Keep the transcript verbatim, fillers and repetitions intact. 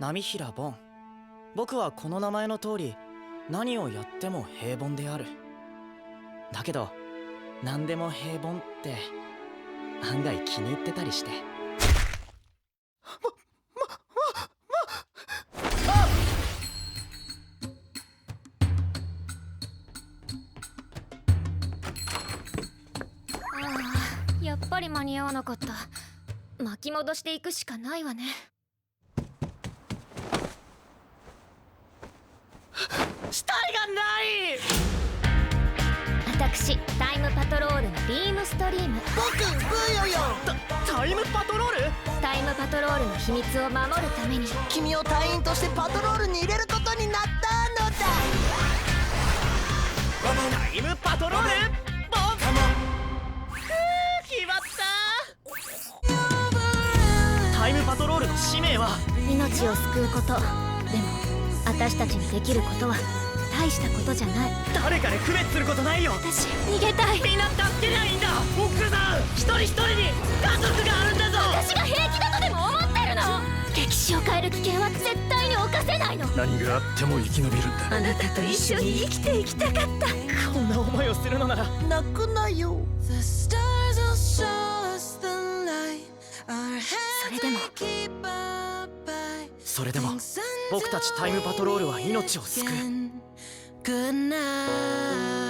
波平ボン。僕はこの名前の通り何をやっても平凡である。だけど何でも平凡って案外気に入ってたりして。 やっぱり間に合わなかった。巻き戻していくしかないわね。 死体がない。 私タイムパトロールのビームストリーム。 僕ブーヨヨ。 タタイムパトロール。 タイムパトロールの秘密を守るために君を隊員としてパトロールに入れることになったのだ。 タイムパトロールボン。決まった。タイムパトロールの使命は命を救うこと。でも私たちにできることは大したことじゃない。 誰かで区別することないよ。 私逃げたい。 みんな助けりゃいいんだ。奥さん一人一人に家族があるんだぞ。 私が平気だとでも思ってるの？歴史を変える危険は絶対に犯せないの。 何があっても生き延びるんだ。 あなたと一緒に生きていきたかった。 こんな思いをするのなら泣くなよ。 それでもそれでも僕たちタイムパトロールは命を救う。